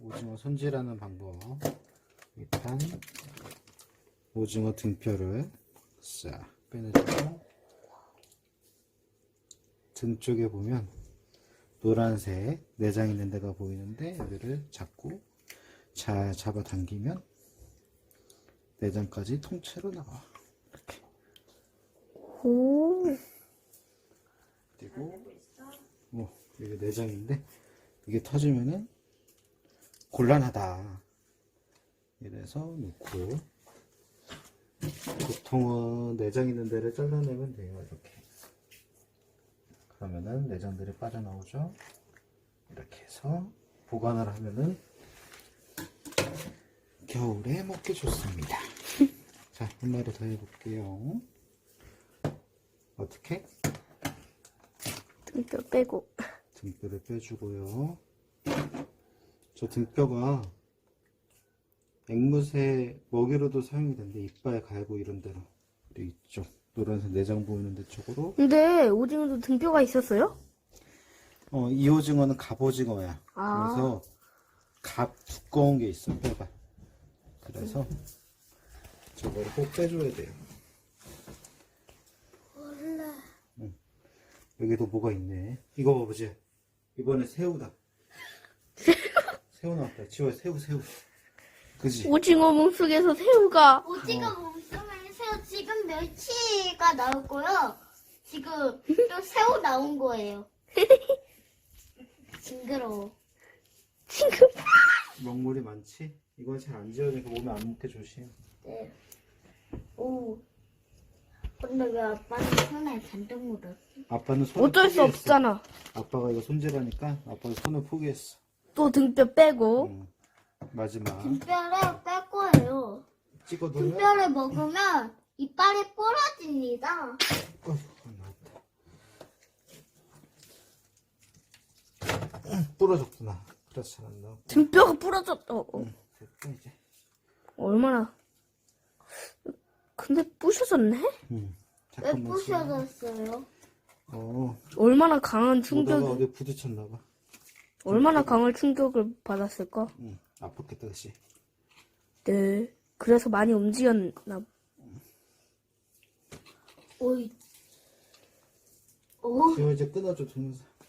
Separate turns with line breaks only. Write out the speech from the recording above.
오징어 손질하는 방법. 일단 오징어 등뼈를 싹 빼내주고, 등 쪽에 보면 노란색 내장 있는 데가 보이는데 여기를 잡고 잘 잡아당기면 내장까지 통째로 나와. 이렇게.
오.
그리고 이게 내장인데 이게 터지면은 곤란하다. 이래서 놓고, 보통은 내장 있는 데를 잘라내면 돼요. 이렇게. 그러면은 내장들이 빠져나오죠. 이렇게 해서 보관을 하면은 겨울에 먹기 좋습니다. 자, 한 마리 더 해볼게요. 어떻게?
등뼈 빼고.
등뼈를 빼주고요. 저 등뼈가 앵무새 먹이로도 사용이 되는데 이빨 갈고 이런 데로, 그리고 이쪽 노란색 내장 보이는 데 쪽으로.
근데 오징어도 등뼈가 있었어요?
이 오징어는 갑오징어야.
아.
그래서 두꺼운 게 있어, 뼈가. 그래서 저거를 꼭 빼줘야 돼요. 응. 여기도 뭐가 있네. 이거 봐보지. 이번에 새우다. 새우 나왔다. 지호야, 새우. 그지?
오징어 몸속에서 새우가.
오징어 몸속에 새우 지금 멸치가 나오고요. 지금 또 새우 나온 거예요. 징그러워.
지금.
먹물이 많지? 이건 잘 안 지워지니까 몸에 안 묻게 조심.
네. 오. 근데 왜 아빠는 손에 잔뜩 묻었어?
아빠는 손을
어쩔 수
포기했어.
없잖아.
아빠가 이거 손질하니까 아빠가 손을 포기했어.
또 등뼈 빼고.
응. 마지막
등뼈를 뺄 거예요.
찍어두면
등뼈를 먹으면 이빨이 부러집니다.
나왔다. 부러졌구나. 그래서 잘 안 나와.
등뼈가 부러졌다.
됐다 이제.
얼마나. 근데 부셔졌네?
왜
잠깐만.
부셔졌어요?
얼마나 강한
오다가
충격이.
어디 부딪혔나봐.
얼마나 강한 충격을 받았을까?
아팠겠다 그치.
네. 그래서 많이 움직였나.
오이. 오.
지금 이제 끊어줘 동영상.